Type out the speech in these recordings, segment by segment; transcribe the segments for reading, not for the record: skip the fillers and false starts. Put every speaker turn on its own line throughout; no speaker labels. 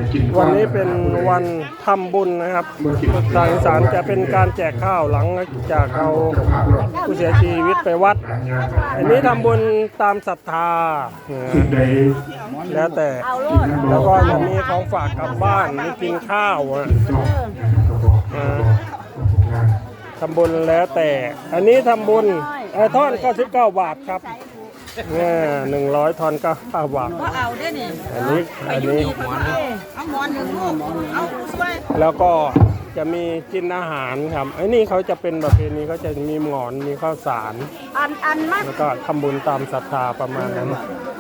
วันนี้เป็นวันทำบุญนะครับทางอีสานจะเป็นการแจกข้าวหลังจากเอาผู้เสียชีวิตไปวัด อันนี้ทำบุญตามศรัทธาแล้วแต่แล้วก็จะมีของฝากกลับบ้านมีกินข้าวทำบุญแล้วแต่อันนี้ทำบุญทอน99 บาทครับเนี่ย100 ทอน9 บาท
ก็เอาได้นี่
อันนี้
เอาหมอนหนึ่งลูกเอาช่วย
แล้วก็จะมีกินอาหารครับไอ้นี่เขาจะเป็นประเพณีเขาจะมีหมอนมีข้าวสาร
อันมาก
แล้วก็ทำบุญตามศรัทธาประมาณนั้น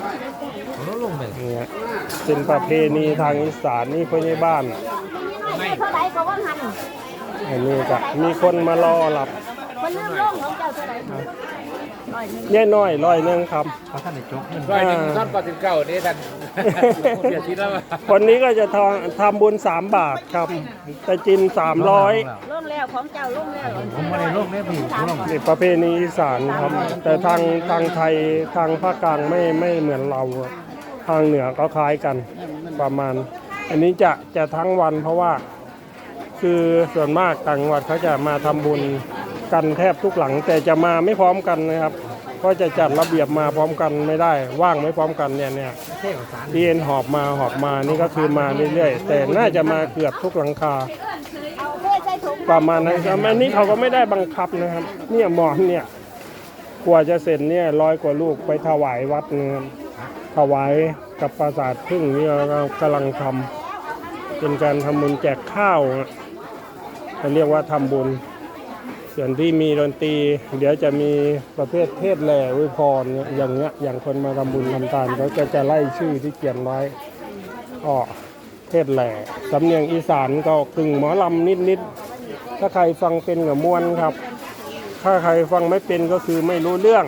เนี่ยเป็นประเพณีทางอีสานนี่คนในบ้าน
เท่าไหร่ก็ว่าหัน
อันนี้ก็มีคนมารอหลับ
มันเรื่องร่องของเจ้าเท่าไหร่
เนี่ยน้อย100ครับ
ท่านได้จบ100ท่าน89นี่ท่านเสียชีวิตแล้ว
คนนี้ก็จะทำบุญ3 บาทครับแต่จิน300
ร่องแล้วของเจ้าร่องแล้ว
ผมไม่ได้ร่องได้พี่ร่อง
นี่ประเพณีอีสานครับแต่ทางไทยทางภาคกลางไม่เหมือนเราทางเหนือก็คล้ายกันประมาณอันนี้จะทั้งวันเพราะว่าคือส่วนมากต่างจังหวัดเขาจะมาทำบุญกันแทบทุกหลังแต่จะมาไม่พร้อมกันนะครับก็จะจัดระเบียบมาพร้อมกันไม่ได้ว่างไม่พร้อมกันเนี่ยที่เอ็นหอบมานี่ก็คือมาเรื่อยๆแต่น่าจะมาเกือบทุกหลังคาประมาณนั้นครับอันนี้เขาก็ไม่ได้บังคับนะครับเนี่ยหมอนเนี่ยกว่าจะเสร็จเนี่ย100 กว่าลูกไปถวายวัดนะครับถวายกับปราสาทพึ่งนี่เรากำลังทำเป็นการทำบุญแจกข้าวเขาเรียกว่าทำบุญส่วนที่มีดนตรีเดี๋ยวจะมีประเภทเทศแหล่อวยพรอย่างเงี้ยอย่างคนมาทำบุญทำทานเขาจะไล่ชื่อที่เขียนไว้ก็เทศแหล่สำเนียงอีสานก็กึ่งหมอลำนิดๆถ้าใครฟังเป็นกับม่วนครับถ้าใครฟังไม่เป็นก็คือไม่รู้เรื่อง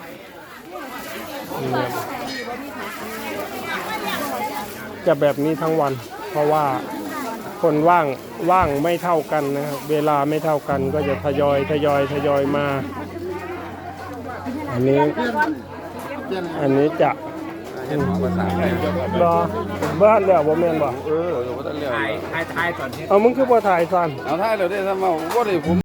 จะแบบนี้ทั้งวันเพราะว่าคนว่างไม่เท่ากันนะครับเวลาไม่เท่ากันก็จะทยอยมาอันนี้จะรอบ้านแล้วบ่แม่นบ่
ถ่ายตอนนี้
เอามึงคือบ่ถ่ายซั่น
เอาถ่ายแล้วได้ทำเอาบ่ได้ผม